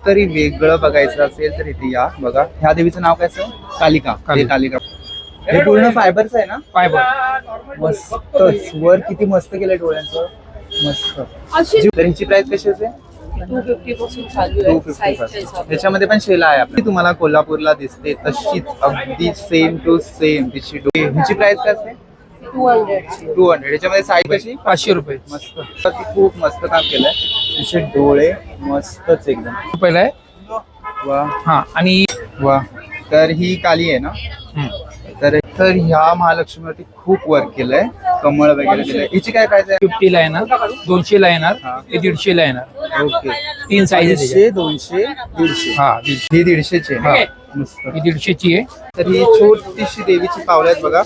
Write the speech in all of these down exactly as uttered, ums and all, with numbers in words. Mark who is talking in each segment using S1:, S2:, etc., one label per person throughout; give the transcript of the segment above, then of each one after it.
S1: काहीतरी वेगळं बघायचं असेल तर इथे या. बघा ह्या देवीचं नाव काय असं? कालिका. हे कालिका हे पूर्ण फायबरचं आहे ना?
S2: फायबर
S1: मस्त. वर किती मस्त केलंय डोळ्यांचं, मस्त. तर हिची प्राइस कशी असेल?
S3: टू फिफ्टी पासून चालू
S1: टू
S3: आहे
S1: फिफ्टी
S3: साईजच्या
S1: पासून.
S3: हिशोबाने.
S1: त्याच्यामध्ये पण शेला आहे आपली. तुम्हाला कोल्हापूरला दिसते तशीच अगदी सेम टू सेम तिची डोळी. हिची प्राइस काय असते?
S3: टू हंड्रेडची.
S1: Two hundred. याच्यामध्ये साईज कशी?
S2: पाचशे रुपये.
S1: मस्त. तर ती खूप मस्त काम केलंय. तिचे डोळे मस्तच एकदम.
S2: पहिला आहे.
S1: वा
S2: हा आणि
S1: वा. तर ही काली आहे ना? तर तर ह्या महालक्ष्मीवरती खूप वर्क केलंय, कमळ वगैरे दिलंय. हिची काय प्राइस आहे?
S2: फिफ्टी ला येणार, दोनशे ला येणार, ते दीडशे ला येणार.
S1: ओके.
S2: तीन साईज
S1: दीडशे, दोनशे, दीडशे.
S2: हा दीडशे.
S1: ही दीडशेची आहे.
S2: हा.
S1: मस्त.
S2: ही दीडशेची आहे.
S1: तर ही छोटीशी देवीची पावलं आहेत बघा.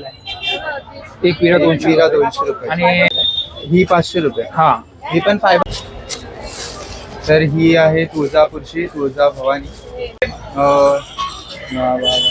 S2: एक विरा दोनशे
S1: विरा दोनशे रुपये
S2: आणि
S1: ही पाचशे रुपये.
S2: हा
S1: ही पण फायबर. तर ही आहे तुळजापूरची तुळजा भवानी. अं, वा, वा, वा.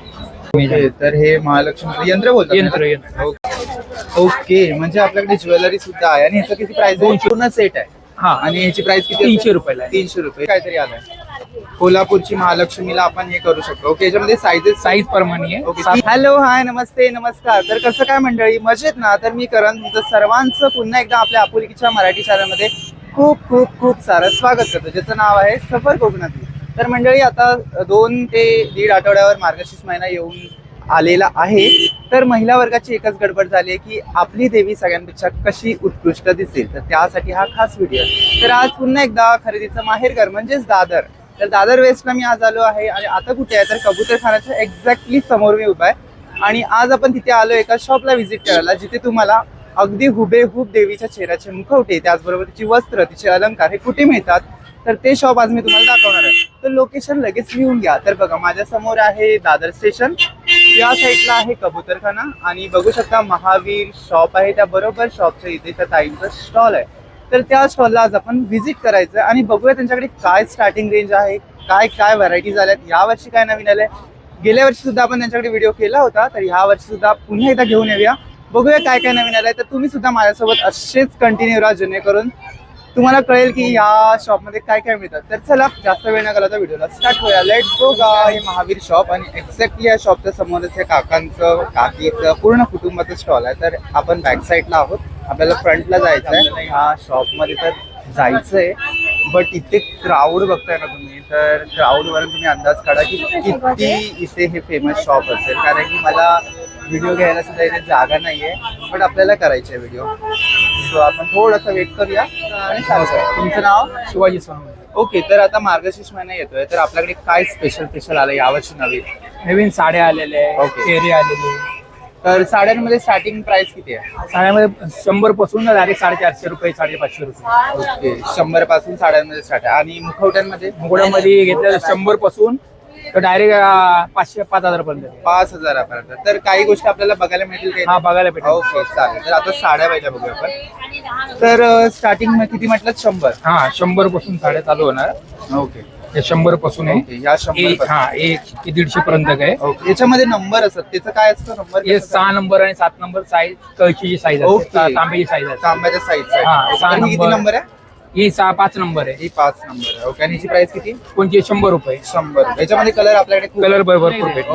S1: ओके. तर हे महालक्ष्मी यंत्र बोलतात
S2: यंत्र
S1: ना?
S2: यंत्र
S1: ओके. ओके म्हणजे आपल्याकडे ज्वेलरी सुद्धा आहे. आणि ह्याचं किती प्राइस?
S2: दोनशे.
S1: पूर्ण सेट आहे.
S2: हा
S1: आणि ह्याची प्राइस किती?
S2: तीनशे रुपयाला आहे.
S1: तीनशे रुपये काहीतरी आलंय. कोल्हापूरची महालक्ष्मीला आपण हे करू शकतो. ओके. याच्यामध्ये साईजेस
S2: साईज प्रमाणे आहे.
S1: ओके. हॅलो, हाय, नमस्ते, नमस्कार. तर कसं काय मंडळी, मजेत ना? तर मी करण तुमचं सर्वांचं पुन्हा एकदा आपल्या आपुलकीच्या मराठी चॅनलमध्ये खूप खूप खूप सारं स्वागत करतो, ज्याचं नाव आहे सफर कोकणातली. तर मंडळी आता दोन ते दीड आठवड्यावर मार्गशीर्ष महिना येऊन आलेला आहे. तर महिला वर्गाची एकच गडबड झाली आहे की आपली देवी सगळ्यांपेक्षा कशी उत्कृष्ट दिसेल. तर त्यासाठी हा खास व्हिडिओ. तर आज पुन्हा एकदा खरेदीचं माहेरघर म्हणजेच दादर. तर दादर वेस्टला मी आज आलो आहे. आणि आता कुठे आहे तर कबूतरखानाच्या एक्झॅक्टली समोर मी उभा आहे. आणि आज आपण तिथे आलो एका शॉपला व्हिजिट करायला, जिथे तुम्हाला अगदी हुबेहूब देवीच्या चेहऱ्याचे मुखवटे, त्याचबरोबर तिची वस्त्र, तिचे अलंकार हे कुठे मिळतात, तर ते शॉप आज मी तुम्हाला दाखवणार आहे. तर लोकेशन लगेच लिहून घ्या. तर बघा माझ्या समोर आहे दादर स्टेशन, या साईडला आहे कबूतरखाना आणि बघू शकता महावीर शॉप आहे. त्या बरोबर शॉपच्या इथे त्या ताईंचा स्टॉल आहे. तर त्या स्टॉलला आज आपण व्हिजिट करायचं आणि बघूया त्यांच्याकडे काय स्टार्टिंग रेंज आहे, काय काय व्हरायटीज आल्यात, यावर्षी काय नवीन आलंय. गेल्या वर्षी सुद्धा आपण त्यांच्याकडे व्हिडिओ केला होता, तर ह्या वर्षी सुद्धा पुन्हा एकदा घेऊन येऊया, बघूया काय काय नवीन आलंय. तर तुम्ही सुद्धा माझ्यासोबत असेच कंटिन्यू राहा, जेणेकरून तुम्हाला कळेल की ह्या शॉपमध्ये काय काय मिळतात. तर चला जास्त वेळ न घालवता व्हिडिओला स्टार्ट करूया. Let's go guy. Mahavir shop आणि एक्झॅक्टली या शॉपच्या समोरच या काकांचं काकीचं पूर्ण कुटुंबाचं स्टॉल आहे. तर आपण बॅक साईडला आहोत, आपल्याला फ्रंटला जायचं आहे. ह्या शॉपमध्ये तर जायचं आहे, बट इथे क्राऊड बघताय ना तुम्ही, तर क्राऊडवरून तुम्ही अंदाज काढा की किती इथे हे फेमस शॉप असेल. कारण की मला व्हिडिओ घ्यायला सुद्धा इथे जागा नाहीये, पण आपल्याला करायचे व्हिडिओ. सो आपण थोडंसं वेट करूया आणि सांगा. तुमचं नाव?
S2: शिवाजी सोनवणे.
S1: ओके. तर आता मार्गशीर्ष महिना येतोय, तर आपल्याकडे काय स्पेशल स्पेशल आलं यावर्षी नवीन?
S2: नवीन साड्या आलेल्या आहे,
S1: Okay.
S2: चेहरे आलेले आहे.
S1: तर साड्यांमध्ये स्टार्टिंग प्राइस किती आहे?
S2: साड्यामध्ये शंभर पासून डायरेक्ट साडेचारशे रुपये साडेपाचशे रुपये.
S1: ओके. शंभर पासून साड्यांमध्ये स्टार्ट आहे. आणि मुखवट्यांमध्ये?
S2: मुकुडामध्ये घेतलं शंभर पासून तर डायरेक्ट पाचशे पाच हजार पर्यंत.
S1: पाच हजारापर्यंत. तर काही गोष्टी आपल्याला बघायला मिळतील काही?
S2: हा बघायला भेटेल.
S1: ओके चालेल. तर आता साड्या पाहिजे बघूया आपण. तर स्टार्टिंग किती म्हटलं? शंभर.
S2: हा शंभर पासून साड्या चालू होणार.
S1: ओके.
S2: हे शंभर पासून आहे.
S1: ओके. या शंभर
S2: एक हा एक ते दीडशे पर्यंत आहे.
S1: ओके. याच्यामध्ये नंबर असतात, त्याचं काय असतं नंबर?
S2: हे सहा नंबर आणि सात नंबर साईज, कळशीची साईज
S1: ओके.
S2: असते, तांब्याची साईज असते.
S1: तांब्याच्या साईज
S2: हा, सहा
S1: किती
S2: नंबर.
S1: नंबर आहे?
S2: ही सहा पाच नंबर आहे.
S1: ही पाच नंबर आहे. ओके. आणि हिची प्राइस किती?
S2: कोणती शंभर रुपये.
S1: शंभर. याच्यामध्ये कलर आपल्याकडे खूप-
S2: कलर भरपूर भेटतो.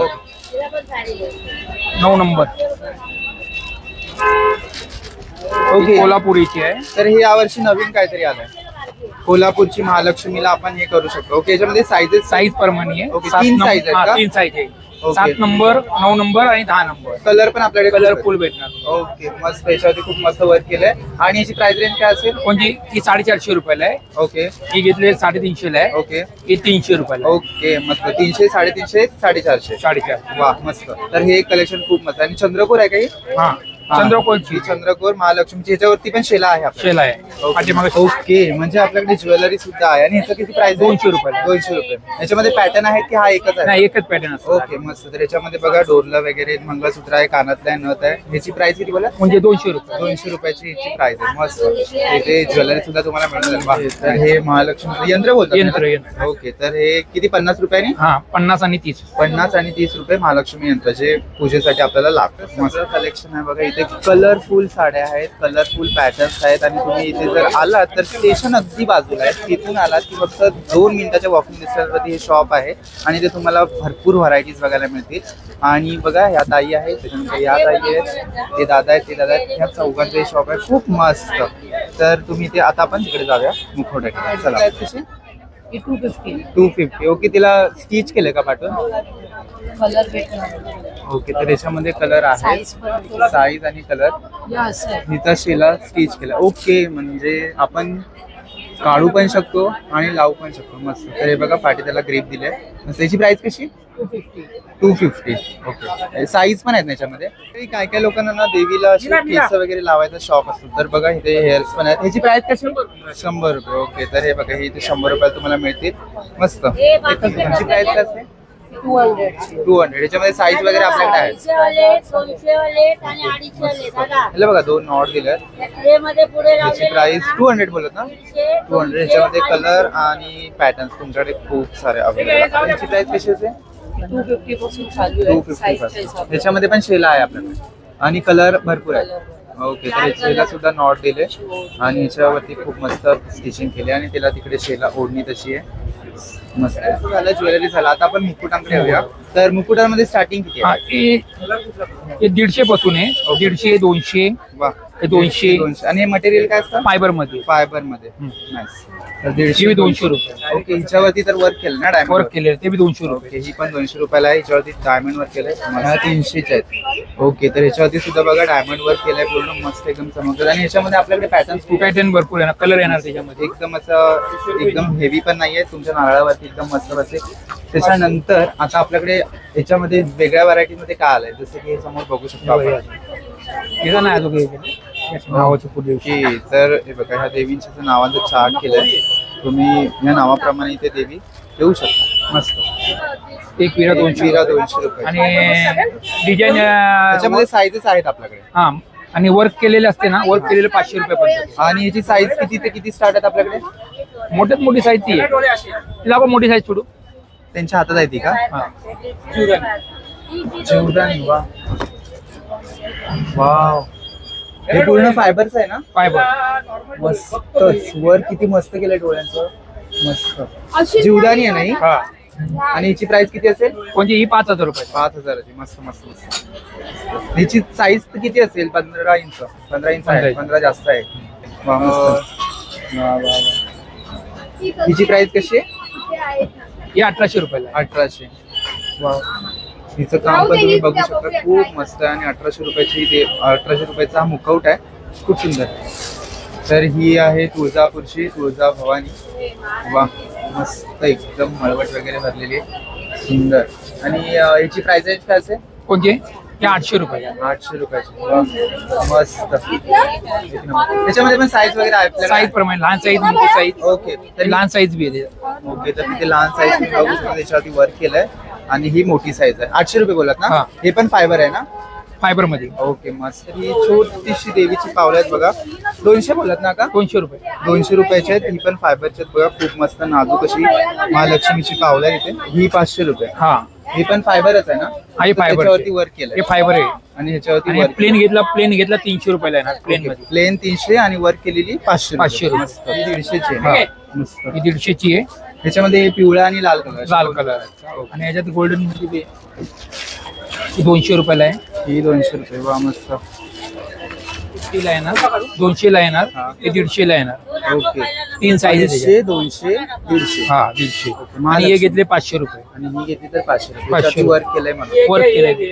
S2: नऊ नंबर.
S1: ओके.
S2: कोल्हापुरीची आहे.
S1: तर हे यावर्षी नवीन काहीतरी आलंय, कोल्हापूरची महालक्ष्मीला आपण हे करू शकतो. ओके. याच्यामध्ये साईजेस?
S2: साईज प्रमाणे आहे.
S1: ओके.
S2: सात
S1: तीन
S2: नंबर-
S1: size आहेत
S2: हा,
S1: का?
S2: तीन साईज आहे.
S1: ओके.
S2: सात नंबर, नऊ नंबर आणि दहा नंबर.
S1: कलर पण आपल्याकडे
S2: कलर
S1: खूप
S2: फुल
S1: आहेत.
S2: भेटणार.
S1: ओके. मस्त. याच्यावरती खूप मस्त वर्क केलंय. आणि याची प्राइस रेंज काय असेल?
S2: कोणती ती साडेचारशे रुपयाला आहे.
S1: ओके.
S2: ही घेतली साडेतीनशे ला आहे.
S1: ओके.
S2: ही तीनशे रुपयाला आहे.
S1: ओके. मस्त. तीनशे, साडेतीनशे, साडेचारशे.
S2: साडेचार.
S1: वा मस्त. तर हे कलेक्शन खूप मस्त. आणि चंद्रकोर आहे काही?
S2: हा चंद्रकोरची
S1: चंद्रकोर महालक्ष्मीची. ह्याच्यावरती पण शेला आहे आपल्याकडे.
S2: शेला आहे. पाठीमागे
S1: ओके. म्हणजे आपल्याकडे ज्वेलरी सुद्धा आहे. आणि ह्याचं किती प्राइस?
S2: दोनशे रुपयाला.
S1: दोनशे रुपये. याच्यामध्ये पॅटर्न आहेत की हा एकच आहे?
S2: नाही एकच पॅटर्न असतो.
S1: ओके. मस्त. तर याच्यामध्ये बघा डोरलं वगैरे, मंगळसूत्र आहे, कानातलं आहे, नथ आहे. ह्याची प्राइस किती बोला?
S2: म्हणजे दोनशे रुपये.
S1: दोनशे रुपयाची ह्याची प्राइस आहे. मस्त. इथे ज्वेलरी सुद्धा तुम्हाला मिळून. तर हे महालक्ष्मी यंत्र बोलतात?
S2: यंत्र यंत्र.
S1: ओके. तर हे किती? पन्नास रुपयानी?
S2: हा पन्नास आणि तीस.
S1: पन्नास आणि तीस रुपये महालक्ष्मी यंत्र, जे पूजेसाठी आपल्याला लागतं. मस्त कलेक्शन आहे बघा इथे. इथे कलरफुल साड्या आहेत, कलरफुल पॅटर्न्स आहेत आणि तुम्ही इथे जर आलात तर स्टेशन अगदी बाजूला आहे. तिथून आलात की फक्त दोन मिनिटाच्या वॉकिंग डिस्टन्सवरती हे शॉप आहे आणि ते तुम्हाला भरपूर व्हरायटीज बघायला मिळतील. आणि बघा ह्या ताई आहेत, त्याच्यानंतर ह्या ताई आहेत, ते दादा आहेत, ते दादा आहेत. ह्या चौघांचं हे शॉप आहे, खूप मस्त. तर तुम्ही ते आता आपण तिकडे जाऊया मुखवट्याकडे. चला.
S3: ही two fifty
S1: two fifty okay. तिला स्टिच केलं का पाठवून?
S3: कलर भेटणार.
S1: ओके. तर याच्यामध्ये कलर आहे,
S3: साईज पण
S1: साईज आणि कलर.
S3: या असं आहे.
S1: हिचा शेला स्टिच केला. ओके, म्हणजे आपण काढू पण शकतो आणि लावू पण शकतो. मस्त. तर हे बघा पाठी त्याला ग्रीप दिले. त्याची प्राइस कशी?
S3: Two fifty
S1: two fifty okay. Size पण आहेत ना याच्यामध्ये. काय काय लोकांना ना देवीला अशी केस वगैरे लावायचा शॉप असतो, तर बघा इथे हेअर्स पण आहेत. ह्याची प्राइस कशी? शंभर रुपये ओके. तर हे बघा हे इथे शंभर रुपयाला तुम्हाला मिळतील. मस्त. ह्याची प्राइस काय असते?
S3: टू हंड्रेडची.
S1: Two hundred. याच्यामध्ये साईज वगैरे आपल्याकडे आहे. हे बघा दोन नॉट दिलेत. याची प्राइस टू हंड्रेड बोलत ना? Two hundred. याच्यामध्ये कलर आणि पॅटर्न्स तुमच्याकडे खूप सारे अवेलेबल आहेत. याची प्राइस कशी असेल?
S3: टू फिफ्टी पासून चालू
S1: टू
S3: आहे.
S1: फिफ्टी
S3: साईजच्या
S1: पासून.
S3: हिशोबाने.
S1: याच्यामध्ये पण शेला आहे आपल्याकडे आणि कलर भरपूर आहे. ओके. तर शेला सुद्धा नॉट दिले आणि याच्यावरती खूप मस्त स्टिचिंग केली आणि तिला तिकडे शेला ओढणी तशी आहे. मस्त झालं. ज्वेलरी झालं. आता आपण मुकुटांकडे येऊया. तर मुकुटांमध्ये स्टार्टिंग किती
S2: हा,
S1: आहे?
S2: हे हे दीडशे पासून आहे. दीडशे, दोनशे,
S1: वा.
S2: हे दोनशे.
S1: दोनशे. आणि हे मटेरियल काय असतं?
S2: फायबर मध्ये.
S1: फायबर मध्ये.
S2: हम्म.
S1: नाईस. तर
S2: हे
S1: दीडशे
S2: बी दोनशे रुपये.
S1: ओके. हिच्यावरती तर वर्क केलं ना डायमंड
S2: वर्क केले ते बी दोनशे रुपये.
S1: ओके. ही पण दोनशे रुपयाला आहे. हिच्यावरती डायमंड वर्क केलंय. ह्या तीनशेच आहेत. ओके. तर ह्याच्यावरती सुद्धा बघा डायमंड वर्क केलंय पूर्ण मस्त एकदम चमकत. आणि ह्याच्यामध्ये आपल्याकडे पॅटर्न्स खूप आहेत.
S2: पॅटर्न भरपूर आहे ना, कलर येणार त्याच्यामध्ये.
S1: एकदम असं एकदम हेवी पण नाहीये. तुमच्या नारळावरती एकदम मस्त बसेल. त्याच्यानंतर आता आपल्याकडे याच्यामध्ये वेगळ्या व्हरायटी मध्ये काय आलंय, जसं की हे समोर बघू शकतो आपण.
S2: हे नाही अजून काही नावाचं पुढे.
S1: ओके. तर हे बघा ह्या देवींच्या नावाचं चार्ट केलंय. तुम्ही या नावाप्रमाणे इथे देवी येऊ शकता. मस्त.
S2: एक विरा दोनशे
S1: विरा दोनशे रुपये.
S2: आणि डिझाईन
S1: त्याच्यामध्ये साईजेस आहेत आपल्याकडे.
S2: हा, आणि वर्क केलेले असते ना, वर्क केलेले पाचशे रुपये पर्यंत.
S1: आणि याची साईज किती ते किती स्टार्ट आहेत आपल्याकडे?
S2: मोठ्यात मोठी साईज ती आहे. तिला आपण मोठी साईज सोडू.
S1: त्यांच्या हातात आहे ती का?
S2: हा.
S1: जीवदानी. वा वाव. हे पूर्ण फायबरचं आहे ना?
S2: फायबर.
S1: मस्त. वर किती मस्त केलंय डोळ्यांचं. मस्त. जीवदानी आहे नाही.
S2: हा.
S1: आणि याची प्राइस किती असेल?
S2: कोणती? ही पाच हजार रुपये.
S1: पाच हजाराची. मस्त मस्त मस्त. याची साईज किती असेल? पंधरा इंच. पंधरा इंच आहे. पंधरा जास्त आहे. वा, मस्त. वा, वा, वा. हिची प्राइस कशी आहे?
S2: ही अठराशे रुपयाला आहे.
S1: अठराशे. वा. हिचं काम पण तुम्ही बघू शकता. खूप मस्त आहे. आणि अठराशे रुपयाची दे अठराशे रुपयाचा हा मुखवट आहे. खूप सुंदर. तर ही आहे तुळजापूरची तुळजा भवानी. वा मस्त. एकदम मळवट वगैरे भरलेली आहे. सुंदर. आणि अं, याची प्राइस रेंज काय असेल?
S2: कोणती? ही आठशे रुपये.
S1: आठशे रुपयाची. वा, मस्त. त्याच्यामध्ये पण साईज वगैरे आहे?
S2: साईज प्रमाणे लहान साईज, मोठी साईज.
S1: ओके.
S2: तरी लहान साईज बी आहे.
S1: ओके. तर तिथे लहान साईज बघू शकता. त्याच्यावरती वर्क केलंय आणि ही मोठी साईज आहे. आठशे रुपये बोलत ना?
S2: हा.
S1: हे पण फायबर आहे ना?
S2: फायबर मध्ये.
S1: ओके. मस्त. ही छोटीशी देवीची पावलं आहेत बघा. दोनशे बोलत ना का?
S2: दोनशे रुपये.
S1: दोनशे रुपयाचे आहेत. ही पण फायबरचे आहेत बघा. खूप मस्त नाजूक अशी महालक्ष्मीची पावलं आहे इथे. ही पाचशे रुपये.
S2: हा,
S1: ही पण फायबरच आहे ना?
S2: हा, हे
S1: तर
S2: फायबर.
S1: त्याच्यावरती वर्क केलंय
S2: हे फायबर आहे.
S1: आणि ह्याच्यावरती
S2: आणि
S1: वर्क
S2: प्लेन घेतला प्लेन घेतला तीनशे रुपयाला येणार प्लेन मध्ये.
S1: प्लेन तीनशे आणि वर्क केलेली पाचशे.
S2: पाचशे रुपये.
S1: मस्त. ही दीडशेची
S2: हा.
S1: आहे. मस्त.
S2: ही दीडशेची आहे.
S1: ह्याच्यामध्ये पिवळा आणि लाल कलर.
S2: लाल कलर आहे. आणि याच्यात गोल्डन मध्ये बी आहे. ही दोनशे रुपयाला आहे.
S1: ही दोनशे रुपये. वा मस्त.
S2: ला येणार, दोनशे ला येणार,
S1: हा.
S2: ते दीडशे ला येणार.
S1: ओके.
S2: तीन साईज
S1: दीडशे, दोनशे, दीडशे.
S2: हा, दीडशे.
S1: महालक्ष्मी.
S2: आणि हे घेतले पाचशे रुपये.
S1: आणि ही घेतली तर पाचशे रुपये.
S2: पाचशे
S1: त्याच्यावरती वर्क केलंय म्हणून.
S2: वर्क केलंय.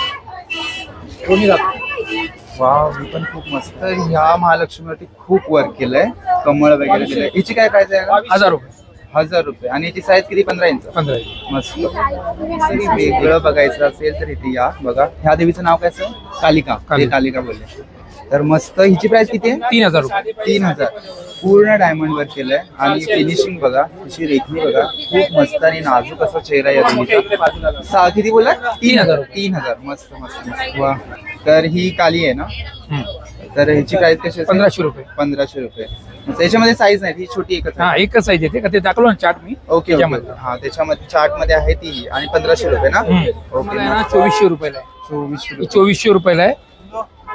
S2: कोणी
S1: वाव. ही पण खूप मस्त. तर ह्या महालक्ष्मीवरती खूप वर्क केलंय. कमळ वगैरे दिलंय. हिची काय प्राइस आहे?
S2: हजार रुपये.
S1: हजार रुपये. आणि याची साईज किती? पंधरा इंच.
S2: पंधरा.
S1: मस्त. जरी वेगळं बघायचं असेल तर इथे या बघा. ह्या देवीचं नाव काय असेल? कालिका. ते
S2: कालिका.
S1: कालिका बोलले. तर मस्त. हिची प्राइस किती आहे?
S2: तीन हजार रुपये.
S1: तीन हजार. पूर्ण डायमंड वर्क केलंय. आणि फिनिशिंग बघा. तिची रेखणी बघा. खूप मस्त आणि नाजूक असा चेहरा या देवीचा. सहा किती बोला? तीन हजार. तीन हजार. मस्त मस्त मस्त. वा. तर ही काली आहे ना?
S2: हम्म.
S1: तर ह्याची प्राइस कशी असेल?
S2: पंधराशे रुपये.
S1: पंधराशे रुपये. मग त्याच्यामध्ये साईज नाही. ही छोटी एकच आहे.
S2: हा, एकच साईज येते का? ते दाखवलं ना चार्ट मी.
S1: ओके.
S2: त्याच्यामध्ये.
S1: ओके. हा, त्याच्यामध्ये चार्ट मध्ये आहे ती. आणि पंधराशे रुपये ना?
S2: हम्म.
S1: ओके.
S2: मला आहे ना चोवीसशे रुपयाला आहे.
S1: चोवीसशे
S2: ही
S1: रुपये.
S2: चोवीसशे रुपयाला आहे.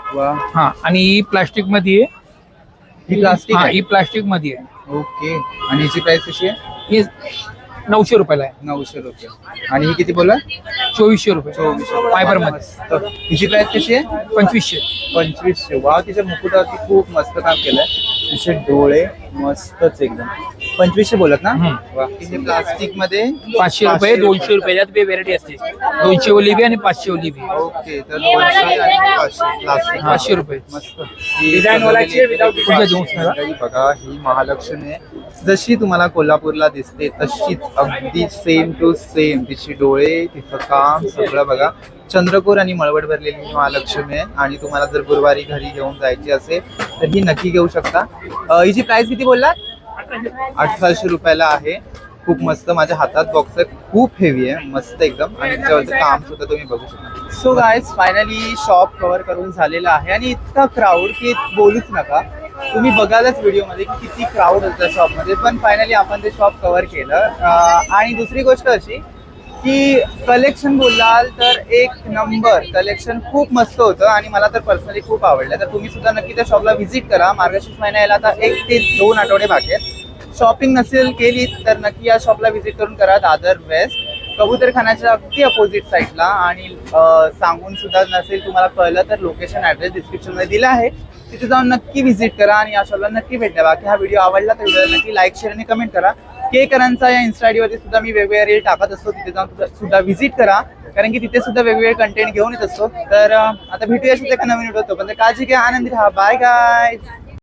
S1: वा,
S2: हा आणि ही प्लास्टिक मध्ये आहे.
S1: ही प्लास्टिक
S2: हा
S1: आहे.
S2: ही प्लास्टिक मध्ये आहे.
S1: ओके. आणि हिची प्राइस कशी आहे?
S2: ही नऊशे रुपयाला आहे.
S1: नऊशे रुपये. आणि ही किती बोला?
S2: चोवीसशे रुपये
S1: चोवीसशे.
S2: फायबर मध्ये.
S1: मस्त. हिची प्राइस कशी आहे?
S2: पंचवीसशे.
S1: पंचवीसशे. वा, तिच्या मुकुटावरती खूप मस्त काम केलंय. तिचे डोळे मस्तच एकदम. पंचवीसशे बोलत ना?
S2: हम्म.
S1: वा. तिथे प्लास्टिक मध्ये
S2: पाचशे रुपये दोनशे रुपये यात बी व्हेरायटी असते. दोनशे ओली बी आणि पाचशे ओली बी.
S1: ओके. तर दोनशे आणि पाचशे प्लास्टिक.
S2: पाचशे रुपये.
S1: मस्त.
S2: Design वालाची आहे without design.
S1: पुढच्या दिवसाला बघा, ही महालक्ष्मी आहे. जशी तुम्हाला कोल्हापूरला दिसते तशीच अगदी सेम टू सेम. तिची डोळे, तिचं काम सगळं बघा. चंद्रकोर आणि मळवट भरलेली ही महालक्ष्मी आहे. आणि तुम्हाला जर गुरुवारी घरी घेऊन जायची असेल तर ही नक्की घेऊ शकता. अं, हिची प्राइस किती बोलला? अठराशे रुपयाला आहे. खूप मस्त. माझ्या हातात बॉक्स आहे, खूप हेवी आहे, मस्त एकदम. आणि त्याच्यावरचं काम सुद्धा तुम्ही बघू शकता. So guys, finally shop cover करून झालेला आहे. आणि इतका क्राऊड की बोलूच नका. तुम्ही बघालच व्हिडिओमध्ये की किती क्राऊड होतं शॉपमध्ये. पण फायनली आपण ते शॉप कव्हर केलं. अं, आणि दुसरी गोष्ट अशी की कलेक्शन बोलाल तर एक नंबर कलेक्शन, खूप मस्त होतं. आणि मला तर पर्सनली खूप आवडलं. तर तुम्ही सुद्धा नक्की त्या शॉपला व्हिजिट करा. मार्गशीर्ष महिना यायला आता एक ते दोन आठवडे बाकी आहेत. शॉपिंग नसेल केली तर नक्की या शॉपला व्हिजिट करून करा. दादर वेस्ट कबूतरखान्याच्या अगदी अपोजिट साईडला. आणि अं, सांगून सुद्धा नसेल तुम्हाला कळलं तर लोकेशन ॲड्रेस डिस्क्रिप्शनमध्ये दिला आहे. तिथे जाऊन नक्की व्हिजिट करा आणि या शॉपला नक्की भेट द्या. बाकी हा व्हिडिओ आवडला तर व्हिडिओला नक्की लाईक, शेअर आणि कमेंट करा. केकरांचा या इन्स्टा आयडीवरती सुद्धा मी वेगवेगळे रील टाकत असतो. तिथे जाऊन सुद्धा- सुद्धा व्हिजिट करा, कारण की तिथे सुद्धा वेगवेगळे कंटेंट घेऊन येत असतो. तर अं, आता भेटूया सुद्धा एका नवीन व्हिडिओ. पण काळजी घ्या, आनंदी राहा. Bye guys.